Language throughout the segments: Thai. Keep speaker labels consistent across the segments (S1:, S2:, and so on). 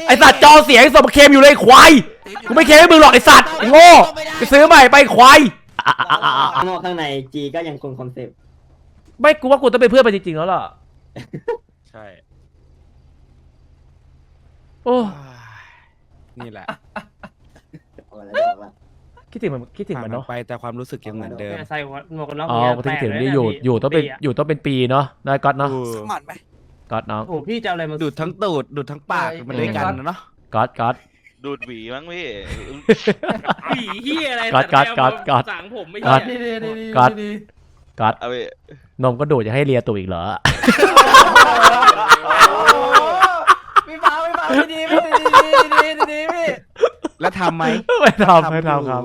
S1: ไอสัตว์จอเสียงสมเคมอยู่เลยควายกูไม่เคมให้มึงหรอกไอสัตว์ไอโง่ไปซื้อใหม่ไปควาย
S2: ข้างนอกข้างในจีก็ยังคงคอนเซ็ปต์
S1: ไม่กูว่ากูต้องเป็นเพื่อนไปจริงๆแล้วล่ะ
S3: ใช่
S1: โอ้
S3: นี่แหละ
S1: คิดถึงมันเนาะ
S3: ไปแต่ความรู้สึกยังเหมือนเดิม
S4: ใส่หมวกกันน็อก
S1: อ๋อคิดถึงนี่อยู่ต้องเป็นปีเนาะนายก๊อตเนาะ
S5: หมัดไหม
S1: ก๊อตน้อง
S4: โอ้พี่จะอะไรมา
S3: ดูดทั้งตูดดูดทั้งปากมันด้วยกันเนาะ
S1: ก๊อต
S6: ดูดหวีมั้งพี่
S4: หวีเฮียอะไรสั่งผมไม่ใช่
S1: ก๊อตนมก็ดูดจะให้เลียตูอีกเหรอ
S5: พี่ฟ้าไม่ดีพี่
S3: แล้วทำไหม
S1: ไม่ทำครับ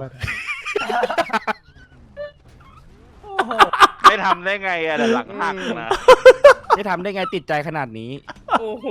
S6: ไม่ทำได้ไงอะหลังหักนะ
S3: ไม่ทำได้ไงติดใจขนาดนี้
S4: โอ้โห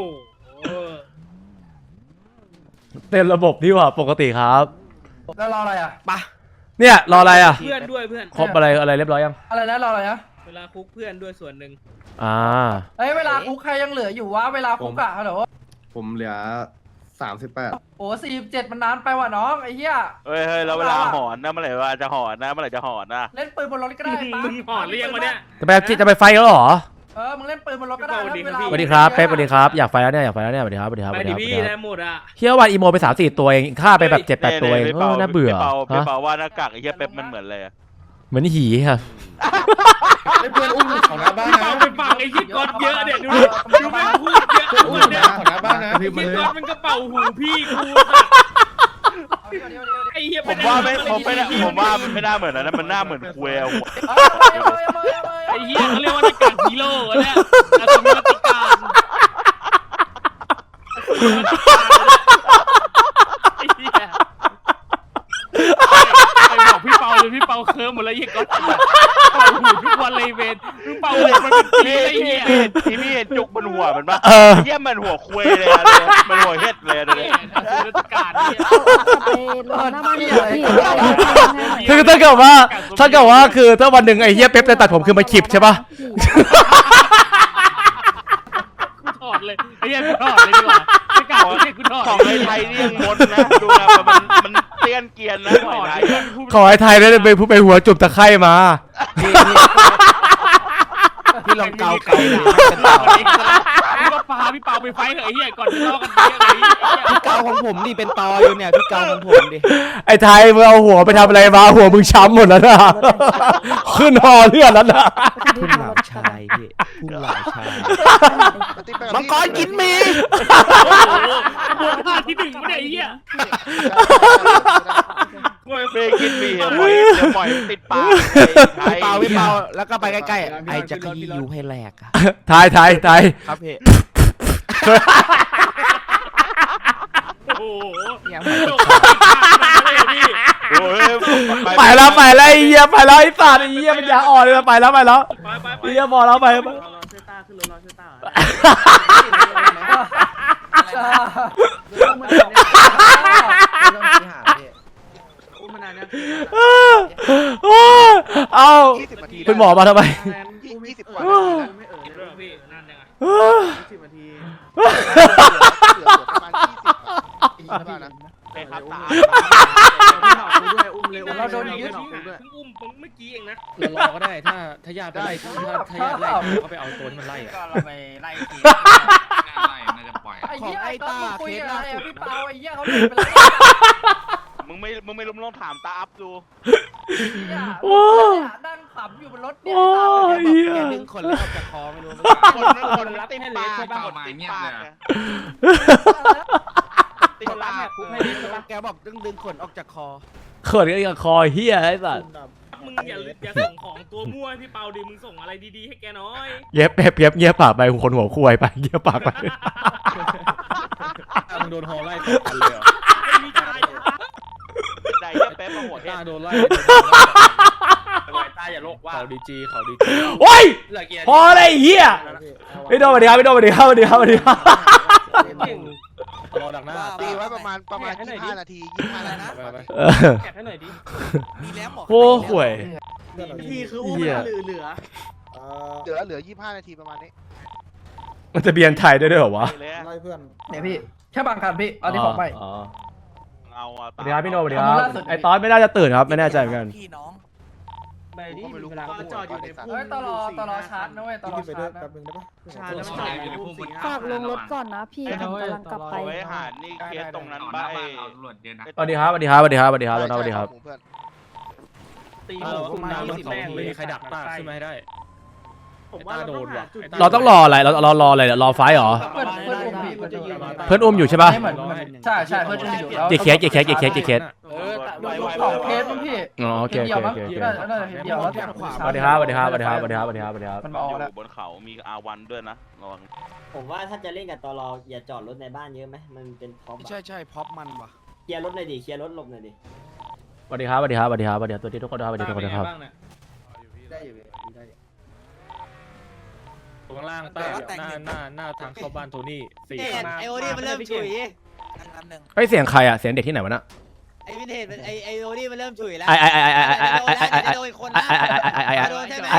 S1: เต็มระบบดีกว่าปกติครับ
S5: แล้วรออะไรอ่ะ
S3: ปะ
S1: เนี่ยรออะไรอ่ะ
S4: เพื่อนด้วยเพื่อน
S1: ครบอะไรเรียบร้อยยัง
S5: อะไรนะรออะไรนะ
S4: เวลาคุกเพื่อนด้วยส่วนหนึ่ง
S5: เวลาคุกใครยังเหลืออยู่วะเวลาคุกอะฮัลโหล
S7: ผมเหลือ38
S5: โอ้47มันนานไปว่ะน้องไอ้เหี้ย
S6: เฮ้ยแล้วเวลาหอนนะเมื่อไหร่ว่าจะหอนนะเมื่อไหร่จะหอนนะ
S5: เล่นปืนบนรถก็ได้
S4: มึงหอนเรียงมาเนี่ย
S1: จะไปไฟแล้วหรอ
S5: มึงเล่นปืนบนรถก็ได้
S1: สวัสดีครับเป๊ปสวัสดีครับอยากไฟแล้วเนี่ยสวัสดีครับ
S4: ไปดิพี่ได้หมดอ่ะ
S1: เฮียวันอีโมไป3-4ตัวเองฆ่าไปแบบ7-8ตัวเองน่าเบื่อ
S6: พี่เปาว่าหน้ากากไอ้เหี้ยเป๊ปมันเหมือนอะไร
S1: เหมือนหีครับ
S7: เพื่อนอุ้มของน้าบ้านนะ
S4: ไปฟังไอ้ชิดก้อนเยอะเนี่ยดูแม่พูดเยอะเนี่ย
S7: ของน้าบ้านนะ
S4: ไอ้ชิดก้อนมันก็เป่าหูพี่กูไอ้เหี้ย
S6: ผมว่ามันไม่น่าเหมือนนะมันน่าเหมือนคุย
S4: ไอ้เหี้ยเขาเรียกว่าหน้ากากฮีโร่เนี่ยอาสมิติการไอ้เหี้ยไปบอกพี่เปาเลยพี่เปาเคิร์มหมดแล้วยี่ก๊อตเป่าหูทุกวันเลยเวนพี่เปาหัวมันเป็นปีไอ้เหี้ย
S6: ที่พี่เห็นจุกมันหัวมันปะเหี้ยมันหัวคุยเลยมันหัวเฮ็ดเลยเลย
S4: อาสมิติการเนี่ย
S1: คือถ้าเกิดว่าคือถ้าวันหนึ่งไอ้เฮียเป๊ปจะตัดผมคือมาขีบใช่ปะ
S4: ถอดเลยไอ้เหี้ยถอดเลยดีกว่าไม่กล้ากูถอด
S6: ของไทยนี่ยังมดนะดูนะมันเตี้ยนเกียนนะของไทย
S1: ขอไอ้ไทยได้ไปหัวจุ่มตะไคร่มา
S3: พี่ลองเกา
S4: พี่ก็พาพี่เปาไปไฟเถอะไอ้เหี้ยก่อนจะล้อกันเยอะเลย
S3: พี่เกาของผมนี่เป็นตออยู่เนี่ยพี่เกาของผมดิ
S1: ไอ้ไทยมึงเอาหัวไปทำอะไรมาหัวมึงช้ำหมดแล้วนะขึ้นหอเลือดแล้วนะ
S3: พุ่งเหล่าชายพี่พุ่งเหล่าชายมังกรกินมี
S4: บวกท่าที่หนึ่งไม่ได้ไอ้เหี้ย
S6: เฟย์กินมีปล่อยติดปาก
S3: พี่เปาแล้วก็ไปใกล้ๆไอจะขยี้ยูให้แหลก
S1: ไทย
S3: ครับพี่
S4: โอ้โห
S1: ไปแล้วไอ้เหี้ยไปแล้วไอ้สัตว์ไอ้เหี้ยมันยาอ่อนเลยไปแล้วไอ้เหี้ยพอแล้วไปเอาคุณหมอมาทำไม
S7: 20 กว่านาที20 นาทีเหลือประมาณ20นะ
S4: ครับตาเราโดนยึดอุ้มเมื่อกี้เองนะ
S3: รอก็ได้ถ้าญาติไปไล่ถ้าญาติไล่ก็ไปเอาตัวที่มันไล่
S4: ก็เราไปไล่ที
S5: น่าจะปล่อยของไอ้ตาเคสล่าสุดพี่เปาไอ้เหี้ยเขาเดินไปแล้ว
S6: มึงไม่ลองถามตาอัพดู
S5: นั่งขำอยู่บนรถเนี่ย
S3: แกดึงคนแล้วออกจากคอไม่รู้
S6: คนรับติดปากติดปาก
S3: ติดปากแกบอกดึงขนออกจากคอ
S1: เขินกันกับคอเฮียไอ้สัส
S4: มึงอย่าส่งของตัวมั่วพี่เปาดิมึงส่งอะไรดีๆให้แกน้อย
S1: เย็บเงียบปากไปคนหัวคุยไปเงียบปากไป
S3: มึงโดนฮอไล่กันเลย
S4: ไม่มีใจ
S6: ใจแป๊บมาหัวแค่
S3: โดนไล่
S4: ตาอย่าโลกว่า
S3: เขาดีจี
S1: โอ้ยพออะไรเฮียไม่โดนมาดีครับ
S3: รอดักหน้า
S7: ตีไว้ประมาณ25 นาที25 นาที
S4: แกะให้หน่อยดิ
S5: มีแล้วหมอ
S1: โอ้ห่วย
S4: พี่คืออุ้มเห
S7: ลือ25 นาทีประมาณนี้
S1: มันจะเบียนไทยได้ด้วยเหรอวะ
S7: ไล่เพื่อน
S5: เนี่ยพี่แค่บางคันพี่อันนี้ของใหม่
S1: อ๋อ
S6: เอาอะ
S1: สวัสดีครับพี่โนสวัสดีค
S5: ขอบ
S1: รั
S5: คุณ
S1: บ
S5: ล่าสุด
S1: ไอ้ตอนไม่น่าจะตื่นครับไม่แน่ใจเหมือนกัน
S3: พี่น้อง
S7: ก็ไม่รู้ว่าจอดอยู่ในพุ่ม
S5: เฮ้ยตลอชาร์จนะเว้ยตลอชาร์จนะ
S7: ชาแล้วมันจอดอยู่ในพุ่มสี
S8: ฝากลงรถก่อนนะพี่ผมกำลังกลับไป
S6: ไว้หานี่เคสตรงนั้นบ้า
S5: ตำรวจเยอะนะ
S1: สวัสดีครับสวัสดีครับสวัสดีครับสวัสดีครับสวัสดีครับ
S7: เพื่อน
S4: ตีหัวมา20แม่งเลยใครดักต้าขึ้นมาให้ได้
S7: ผมว่าเราต้องหาจุด
S1: เราต้องรออะไรเรารออะไรเนี่ยรอไฟเหรอ
S5: เพื่อนอุ้มพี่
S1: เพื่อนอุ้มอยู่ใช่ปะ
S5: เหมือนใช่เพื่อนอุ้มอยู่แล้ว
S1: กี่เคส
S5: สองเคสมั้งพี่
S1: อ๋อโอเคโอเคโอเคโอเค
S5: น่าจะเดียวแล้วแต่ขวา
S1: สวัสดีครับสวัสดีครับสวัสดีครับสวัสดีครับสวัสดีครับสวัสดีครับ
S5: มัน
S6: อ
S5: มาออกแล้ว
S6: ยู่บนเขามีอาวันด้วยนะระวัง
S2: ผมว่าถ้าจะเล่นกับตลออย่าจอดรถในบ้านเยอะไหมมันเป็นพร็อพอะ
S3: ใช่พ็อปมันว่ะ
S2: เคลียร์รถหน่อยดิเคลียร์รถหลบหน่อยดิ
S1: สวัสดีครับสวัสดีครับสวัสดีครับสวัสดีครับตัวที่ทุกคนครับสวัสดีทุกคนครับ
S2: ได้อยู่ได้อยู่
S4: ข้างล่างใต้หน้าทางเข้าบ้านโทนี่4
S3: ไอโอดี้มันเริ่มฉุยอันหนึ่ง
S1: เฮ้ยเสียงใครอ่ะเสียงเด็กที่ไหนวะน่ะ
S3: ไอวินเทจไอโอดี้มันเริ่มฉุยแล้ว
S1: ไอ้
S3: โดนคนนะโดนใช่ไหม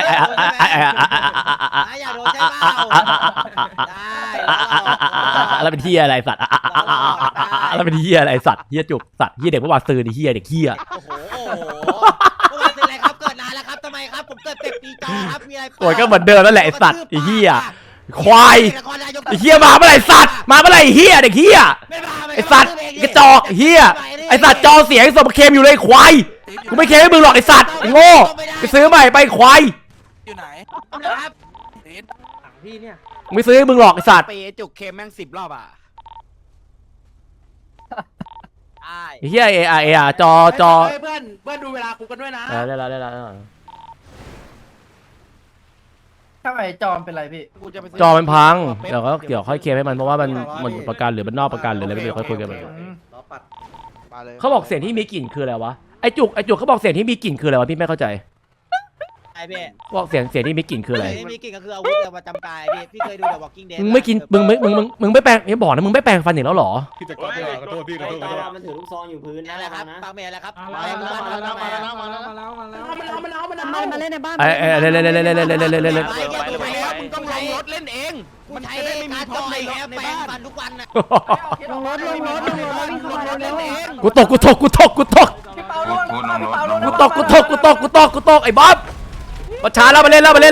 S3: อย่าโดนใช่เปล่าได้
S1: แล้วเป็นเฮียอะไรสัตว์แล้วเป็นเฮียอะไรสัตว์เฮียจุกสัตว์เฮียเด็กเมื่อวานซื้อดิเฮียเด็กเฮีย
S3: โอ้โหเมื่อวานเป็นอะไรครับเกิดนานแล้วครับทำไมครับผมเกิดเป็ดปีจอครับมีอะไร
S1: โอ้ยก็เหมือนเดิมนั่นแหละไอ้สัตว์ไอ้เฮียควายไอ้เฮียมาเมื่อไหร่สัตว์มาเมื่อไหร่เฮียเด็กเฮียไอ้สัตว์กระจอกเฮียไอ้สัตว์จอเสียงสมเคมอยู่เลยควายกูไม่เคมให้มึงหรอกไอ้สัตว์ไอ้โง่ไปซื้อใหม่ไปควาย
S3: อยู่ไหนครับ
S2: พี่เนี่ย
S1: กูไม่ซื้อให้มึงหรอกไอ้สัตว์
S3: เปจุกเคมแม่ง10 รอบอ่ะใช่
S1: ไอ้เฮียเอจอ
S3: เพื่อนดูเวลากูกันด้วยนะ
S1: ได้แล้ว
S5: ถ้าไอ้จอมเป็นไรพี่
S1: จอมันพังเดี๋ยวก็เกี่ยวค่อยเคลมให้มันเพราะว่ามันประกันหรือมันนอกประกันหรืออะไรไม่รู้ค่อยคุยกันมัน
S7: ล้อปัดมาเลย
S1: เขาบอกเสียงที่มีกลิ่นคืออะไรวะไอจุกเขาบอกเสียงที่มีกลิ่นคืออะไรวะพี่ไม่เข้าใจ
S3: ไอ้พี่
S1: บอกเสียงที่มีกลิ่นคืออะไร
S3: มีกิ่งก็คืออาวุธประจำกายพี่เคยดู The Walking Dead
S1: มึงไม่กินมึงไม่แปรงอย่าบอกนะมึงไม่แปรงฟันอีกแล้วเหรอ
S4: พี่จะกดขอโทษพี่ขอ
S2: ไอ้
S4: โทษ
S2: ตลอมันถือลูกซองอยู่พื้น
S3: นั่
S2: นะ
S3: นแหละครับ
S2: นะ
S3: ปากเมย์แล้วครับ
S7: มาแล้ว
S8: มาเล่นในบ้าน
S1: ไอ้เล่น
S3: มึงต้องลงรถเล่นเองมันใช้การต่อยแแปรงฟันทุกวันน่ะ
S8: ลงรถวิ่งเข้ามาเร็ว
S1: กูตก
S5: พี่เปาล่วงพี่เปาล่วง
S1: กูตกไอ้บ๊อบมาช้าแล้วมาเล่นแล้วไป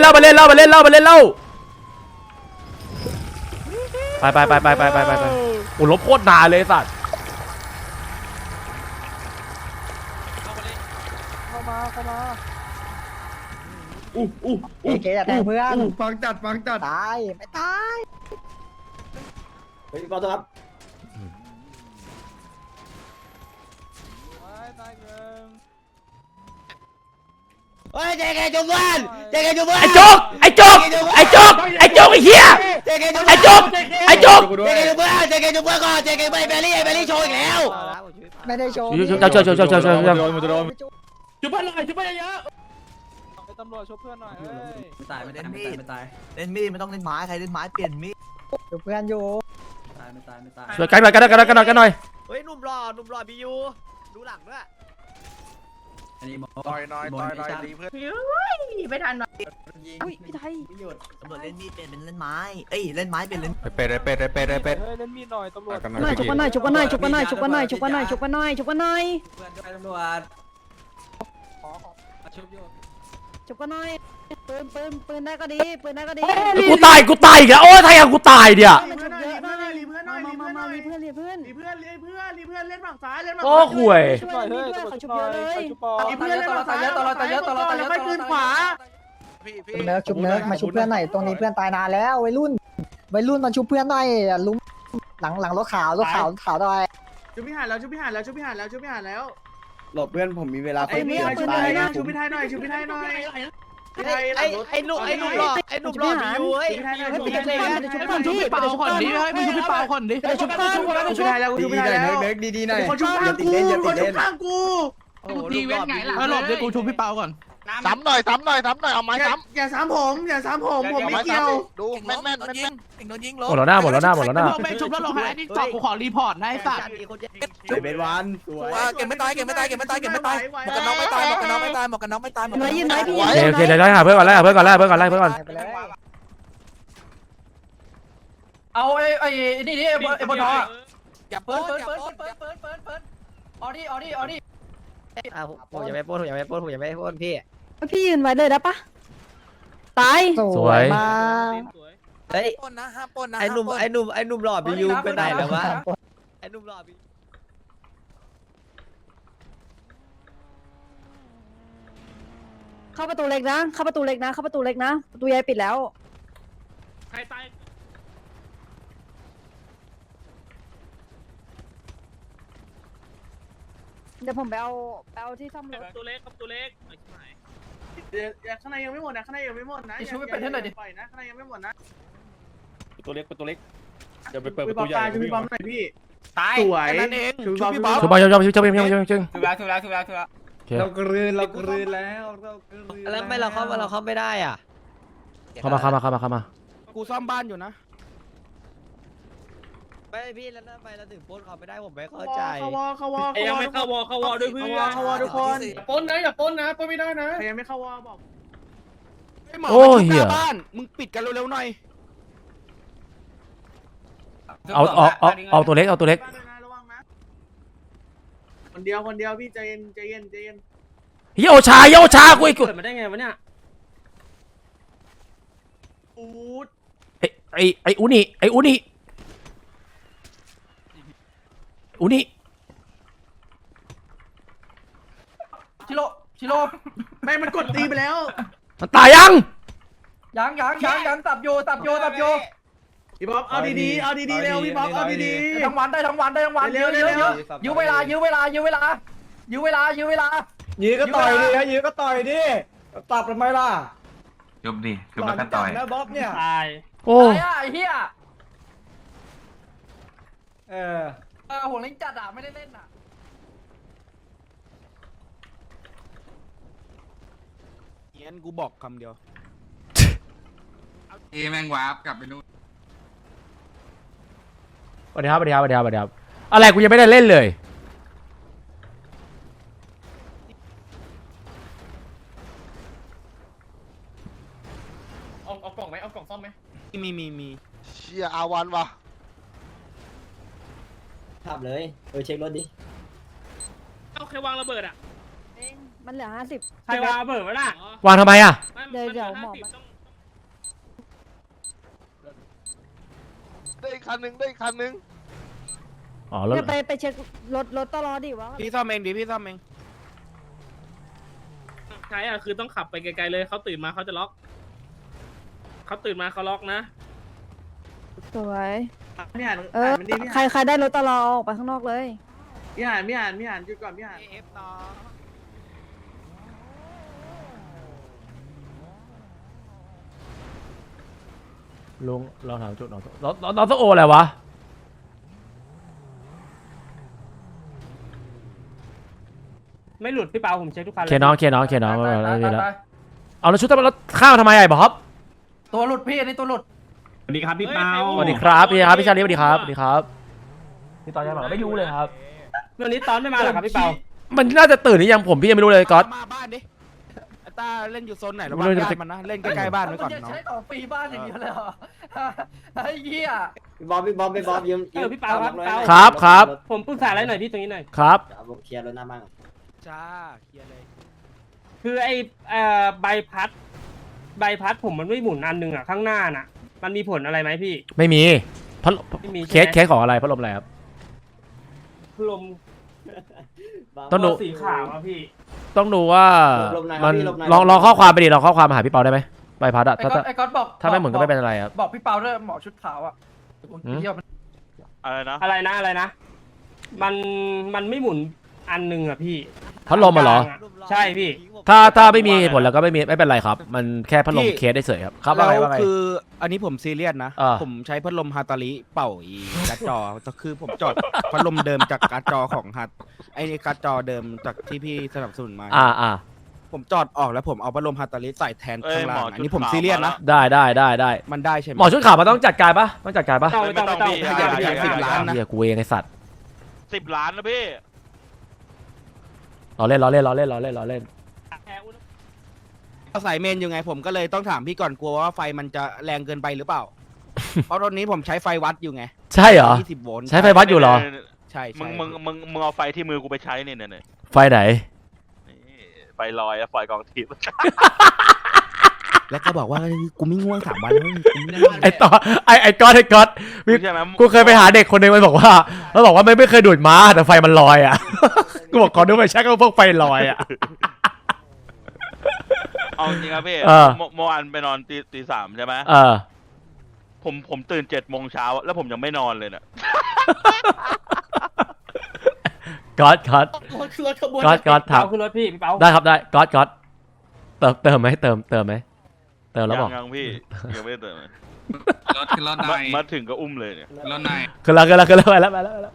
S1: โอ้ลบโคตรนานเลยสัตว์
S2: เจ๊จะแทงเพื่อน
S7: ฟังจัด
S2: ตายไม่ตายเฮ้ยพี่ปอตัวครับ
S3: เฮ้ยเจ๊แกจุ๊บเพื่อนเจ๊แกจุ๊บเพื่อน
S1: ไอ้จุกไอ้เหี้ย
S3: เจ๊แกจุ๊บ
S1: ไอ้จุก
S3: เจ๊แกจุ๊บเพื่อนก่อนเจ๊แกแบลลี่โชว์อีกแล้ว
S2: ไม่ได้โชว์
S1: ช่วย
S4: จุ๊บเพื่อนหน่อยจุ๊บเพื่อนเยอะ
S3: ตายไม่ได้มีดไม่ตายเล่นมีดมันต้องเล่นไม้ใครเล่นไม้เปลี่ยนมีด
S2: เพื่อนอยู่
S1: ช่วยกันหน่อย
S3: เฮ้ยหนุ่มหล่อบียูดูหลังด้วย
S7: ต่อยหน่อยดีเพื่อน
S5: ไม่ทันหน่อย
S8: อุ้ยพี่ไทย
S3: ตำรวจเล่นมีดเปลี่ยนเป็นเล่นไม้เอ้ยเล่นไม้เปลี่ยนเล่น
S8: หน่อยชุบกันหน่อยชุบกันหน่อยชุบกันหน่อยชุบกันหน่อยชุบกันหน่อยชุบกันหน่อยชุบกันหน่อย
S3: เพื่อนด้วยตำรวจ
S8: ชุบกันหน่อยปืนได้ก็ดีปืนได้ก็ดี
S1: กูตายอีกแล้วโอ้ยทายกูตายเดี๋ยว
S8: มันชุบเยอะนะมารีเพื่อนเล่นฝั่งซ้ายเล่นฝั่ง
S1: โอ้ห่วย
S8: ช่วยเพื่อนเขาชุบเยอะเลย
S5: เพื่อนตายเยอะค่อยคืนขวา
S7: พี่
S2: เนิร์กชุบเนิร์กมาชุบเพื่อนหน่อยตรงนี้เพื่อนตายนานแล้ววัยรุ่นมาชุบเพื่อนหน่อยลุ้มหลังรถขาวหน่อย
S5: ชุบพิหารแล้ว
S7: หลบเพื่อนผมมีเวลา
S8: ไอ้เมียปืนเลยนะ
S5: ชุบพิไทยหน่อย
S3: ไอ้หนุ่มหล่อบียูเฮ้ย
S8: ชุบกันพี่เปาคนนี้ให้มึงชุบพี่เปาคนนี้ชุบกัน
S5: ชุบพิไทยแล้วชุบพิไทยแล้ว
S7: เนิร์กดีหน่อย
S5: คนชุบข้างกู
S3: ทีเว้นไงล่ะ
S5: หลบเดี๋ยวกูชุบพี่เปาก่อน
S7: ซ้ำหน่อยเอาไม้ซ้
S5: อย่าซ้ำผมผมไม่เกี่ยว
S7: ำดูแม่น
S3: โดนยิงล
S1: หมดแล้วหน้า
S5: ไม่ชุบแล้วลงหายนี่ต่อกูขอรีพอร์ตนะไอ้สัตว์
S7: เป็นวันสวย
S3: เก็บไม่ตายหมวกกันน็อกไม่ตายหมวกกันน็อกไม่ตาย
S8: ยินไหมพี่
S1: โอเคเดี๋ยวหาเพื่อนก่อนไล่เพื่อนก่อน
S2: ไปเลย
S5: เอาไอ้นี่ไอ้บนท้ออย่าเปิดออดี้
S2: ผมอย่าไปปล้นพี่
S9: พี่ยืนไว้เลยได้ปะตาย
S1: สวย
S2: มาก
S5: เฮ้ยปนนะห้ามปนนะ
S2: ไอ้หนุ่มหล่อบิวไปไหนแล้ววะไอ้หนุ่มหล่อบิว
S9: เข้าประตูเล็กนะเข้าประตูเล็กนะประตูใหญ่ปิดแล้ว
S4: ใครตาย
S9: เดี๋ยวผมไปเอาที่ซ่อมรถ
S4: ตัวเล็กครับตัวเล็กไอ้ชิบหาย
S8: เดี๋ยวข้างในยังไม่หมดนะข้างในยังไม่หมดนะปล่อยนะข้างในยังไม่หมดนะ
S6: ตัวเล็กเดี๋ยวไปเปิด
S8: พี่
S6: ประ
S8: บอ
S6: ตู
S8: ม
S6: ใหญ่
S8: ตายพี่บอมหน่อยพี่
S5: ตาย
S8: สวย
S5: นั่นเอง
S8: ชูพี่บอม
S1: ชุบไปชุบจึง
S5: ถูกแล้วโอเค
S2: เรากลืนแล้วแล้วไม่เราเข้าไม่ได้อ่ะ
S1: เข้ามา
S5: กูซ่อมบ้านอยู่นะ
S2: ไม่พี่แล้วทำไมเราถึงปล้นเขาไม่ได้ผมไม่เข้าใจ
S8: เข้าวอ
S4: ยังไม่เข้าวอด้วยเพื่อน
S8: เข้าวอทุกคน
S4: ปนนะอย่าปนนะปนไม่ได้นะ
S8: ใครยังไม่เข้าวอบอก
S5: หมอมาชุบหน้าบ้านมึงปิดกันเร็วๆหน่อย
S1: เอาตัวเล็ก
S8: บ้านด้วยนะระวังนะคนเดียวพี่ใจเย็น
S1: เฮียโอชากูอีก
S4: เกิดมาได้ไงวะเนี่ย
S8: อูด
S1: ไอ้อุนี่
S5: ชิโร่
S8: ไม่มันกดตีไปแล้ว
S1: มันตายยัง
S5: ยังตับโย
S8: พี่บอมเอาดีๆเร็วพี่บอมเอาดี
S5: ทั้งวันเร็วยื้อเวลายื้อก็ต่อยดิตับทำไมล่ะ
S10: ยุบดิคือมันก็ต่อย
S5: นะบ๊อบเนี่ย
S4: ตาย
S1: โอ้
S5: ไอ้เหี้ยหัวเล้งจัดอ่ะไม่ได้เล่นอ่ะ เงี้ยกูบอกคำเดียว
S10: แม่งวาร์ปกลับไปนู่น
S1: สวัสดีครับอะไรกูยังไม่ได้เล่นเลย
S4: เอากล่องไหมเอากล่องซ่อมไหม
S5: มี
S7: เชียอาวันว่ะ
S2: ขับเลยเช็ครถดิ
S4: เอาใครวางระเบิดอ่ะ
S9: มันเหลือ50
S4: ใครวางระเบิดวะน่ะ
S1: วางทำไมอ่ะ
S9: เดี๋ยวหมอ
S7: ได้อีกคันหนึ่ง
S1: อ๋อแล้ว
S9: จะไปเช็ครถตลอดดิวะ
S5: พี่ซ่อมเองดิพี่ซ่อมเอง
S4: ใครอ่ะคือต้องขับไปไกลๆเลยเขาตื่นมาเขาจะล็อกเขาตื่นมาเขาล็อกนะ
S9: สวย
S8: พี่หัน
S9: มันดีใครได้รถตลอดออกไปข้างนอกเลย
S8: พี่หันหยุดก่อนพี่หัน
S5: เอฟต่อ
S1: ลุงลองถามจุดน้องต้องโออะไรวะ
S4: ไม่หลุดพี่เปาผมเช็คทุกคันเลย
S1: เคน้องไม่มีแล้วเอาแล้วชุดทำไมแล้วข้าวทำไมไอ้บ๊อบ
S5: ตัวหลุดพี่อันนี้ตัวหลุด
S4: สวัสดีครับพี่เปา
S1: สวัสดีครับพี่ชาลีสวัสดีครับพี่ตอนยังบอกไม่รู้เลยครับ
S4: วันนี้ตอนไม่มาหรอครับพี่เปา
S1: มันน่าจะตื่นหรือยังผมพี่ยังไม่รู้เลยก๊อต
S5: มาบ้านดิไอ้ตาเล่นอยู่โซนไหนระ
S1: ไม่
S5: วัง
S1: รู้จะ
S5: ญาติมันนะเล่นใกล้ๆบ้านไว้ก่อน
S11: จะ
S5: เนาะ
S11: ใช้ของฟรีบ้านอย่างเดียวเลยเหรอไอ้เหี้ย
S2: พี่บอมยืม
S4: พี่เปาครับ
S1: ครับ
S4: ผมปรึกษาอะไรหน่อยพี่ตรงนี้หน่อย
S1: ครับ
S2: เคลียร์รถหน้าบ้าน
S5: จ้าเคลียร์เลย
S4: คือไอ้ใบพัดผมมันไม่หมุนอันหนึ่งอ่ะข้างหน้าน่ะ มันมีผลอะไรไหมพี่
S1: ไม่มีพัด
S4: ไม่มี
S1: เคสของอะไรพัดลมอะไรครับ
S4: ลม
S1: ต้องดู
S4: สีขาวอ่ะพี่
S1: ต้องดูว่ามันลองข้อความไปดิลองข้อความมาหาพี่เปาได้ไหมใบพัดอะ
S11: ไอ้ก๊อตบอก
S1: ถ้าไม่เหมือนก็ไม่เป็นอะไรครับ
S11: บอกพี่เปาด้วยหมอชุดขาวอ่ะ
S6: อะไรนะ
S4: อะไรนะ มันไม่หมุนอันหนึ่งอ่ะพี่
S1: พัดลมมาเหรอ
S4: ใช่พี่
S1: ถ้าไม่มีเหตุผลแล้วก็ไม่เป็นไรครับ มันแค่พัดลมเคสได้เฉยครับครับว่าไง
S5: แล้ว
S1: ว่าไง
S5: คืออันนี้ผมซีเรียสนะ
S1: อ่า
S5: ผมใช้พัดลมฮาตาลิเป่าอีการ์ดจอก็คือผมจอดพัดลมเดิมจากการ์ดจอของฮัตไอ้การ์ดจอเดิมจากที่พี่สนับสนุนมา ผมจอดออกแล้วผมเอาพัดลมฮาตาลิใส่แทนข้างล่างอันนี้ผมซีเรียสนะ
S1: ได้
S5: มันได้ใช่ไหม
S1: หมอชุดขาวมันต้องจัดการปะต้องจัดการปะ
S4: ไม่ต้อง
S5: อย่า10 ล้านนะ
S1: เฮียกูเองไอสัตว์
S6: 10 ล้านนะพี่
S1: ล้อเล่น
S5: เอาสายเมนอยู่ไงผมก็เลยต้องถามพี่ก่อนกลัวว่าไฟมันจะแรงเกินไปหรือเปล่าเพราะตอนนี้ผมใช้ไฟวัดอยู่ไง
S1: ใช่เหรอ
S5: 20 โวลต์
S1: ใช้ไฟวัดอยู่เหรอ
S5: ใช่
S6: มึงเอาไฟที่มือกูไปใช้เนี่ยเนี่ย
S1: ไฟไหน
S6: ไฟลอยอะไฟกองทิพย์
S5: แล้วก็บอกว่ากูไม่ง่วง3 วันแล้วกูไม่ได้
S1: ไอต่อไอก๊อต
S6: ใช่ไหม
S1: กูเคยไปหาเด็กคนหนึงมันบอกว่าไม่เคยดูดม้าแต่ไฟมันลอยอ่ะ กูบอกขอดูไฟแช็กก็พวกไฟลอยอ่ะ
S6: เอาจริงครับพี่
S1: เออ
S6: เมื่อวานไปนอนตีสามใช่ไหม ผมตื่น7 โมงเช้าแล้วผมยังไม่นอนเลยเนี่ย
S1: ก๊อตถาม
S11: ขึ้นรถพี่พี่เปา
S1: ได้ครับได้ก๊อตเติมไหมเติมไหมเติมแล้วบอก
S6: ยังพี่ยังไม่ได้เติมเลย
S10: รถขึ้นรถหน่อย
S6: มาถึงก็อุ้มเลยเนี่ย
S10: รถหน่อย
S1: คือแล้วไปแล้วไปแล้ว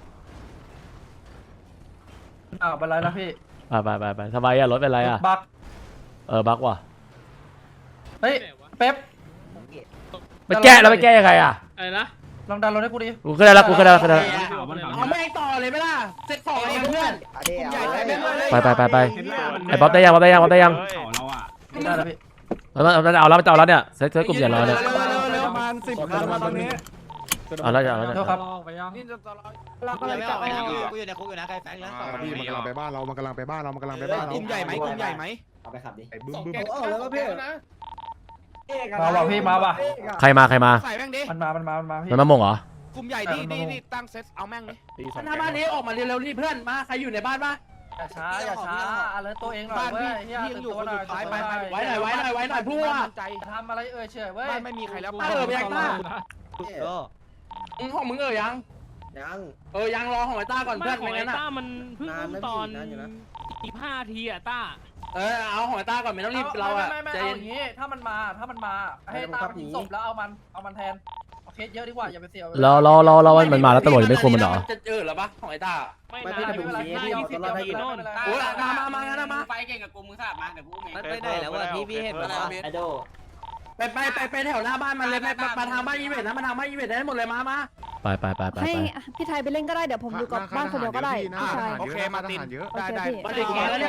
S11: อ้าวเป็นไรนะพี่
S1: ไปทำไมอะรถเป็นไรอะ
S11: บัก
S1: บั๊กว่ะ
S11: เฮ้ยเป๊ป
S1: ไปแก้แล้วไปแก้ยังไงอะ
S4: อะไรนะ
S11: ลองดันรถให้กูดิ
S1: กูก็ได้ละ
S8: เอาแม่งต่อเลยไหมล่ะเซ็ตของเองเพื่อนใหญ่ไปแม่งเลย
S1: ไปไอ้บ๊อบได้ยัง
S11: ไม่ได้แล้วพี่
S1: เอาแล้วเนี่ยเซ็ตกลุ่มใหญ่เราเนี่ย
S5: ประมาณ10 คันมาตอนนี้
S1: เอาแล้ว
S11: โทษครับ
S3: เราก็เลยจับไปนะกูอยู่ในคุกอยู่นะใครแฟงแล้ว
S7: พี่มันกำลังไปบ้านเรา มันกำลังไปบ้านเรา มันกำลังไปบ้านเรา
S5: กลุ่มใหญ่ไหมกลุ่มใหญ่ไหม
S2: เอาไปขับดิ
S7: ไอ้บึ้ม
S8: แล้วก็พี่
S11: มาว่ะพี่มาว่ะ
S1: ใครมา
S5: ใส่แม่งดิ
S11: มันมาพี่
S1: มันมามงเหรอก
S5: ลุ่มใหญ่นี่ตั้งเซตเอาแม่งดิ
S8: หน้าบ้านนี้ออกมาเร็วๆนี่เพื่อนมาใครอยู่ในบ้านปะ
S11: อย่าช้าอะไรตัวเองหน่อย
S5: บ้าน
S11: เว้
S5: พี่
S11: ยเฮีย
S5: พี่ยังอยู่คนสุดท้ายไป
S8: ไว้หน่อยพวก
S5: ใจ
S11: ทำอะไรเฉยเว้ย
S5: บ้านไม่มีใครแล้ว
S8: ไปยังต้าของมึงยัง ยังรอของไอ้ต้าก่อนเพื่อน
S4: ของ
S8: ไม่
S4: ไอ้
S8: งั้นอ่ะ
S4: ต้ามันเพิ่งอุ้มตอน15 ทีอะต้า
S8: เอาของไอ้ต้าก่อนไม่ต้องรีบเราอ่ะ
S11: ไม่
S8: ใจ
S11: เอา
S8: เย็
S11: อน ย่างงี้ถ้ามันมาให้ตามทิ้งศพแล้วเอามันแทนเอาเคสเยอะดีกว่าอย่าไปเสีย
S1: เรามันมาแล้วตำรวจยังไม่คุมมันเหรอ
S8: จะเหรอปะของไอ้ต้า
S4: ไม่นะ20 ทีโน่น
S8: โอ้ยมางั้นมา
S10: ไฟเก่งกับกูมึงทราบมาเดี๋ยวกูเอง
S3: มันไปไหนแล้ววะพี่เห็นมันแล้ว
S2: ไอโด
S8: ไปแถวหน้าบ้านมันเลยมาทางบ้านอีเวนต์นะมาทางบ้านอีเวนต์ได้หมดเลยมา
S1: ไป
S9: ให้พี่ไทยไปเล่นก็ได้เดี๋ยวผมอยู่กับบ้านคนเดียวก็ได้พี่ชาย
S5: โอเคมาติน
S2: เยอะ
S5: ได้
S8: มาถึงแล้วเนี่ย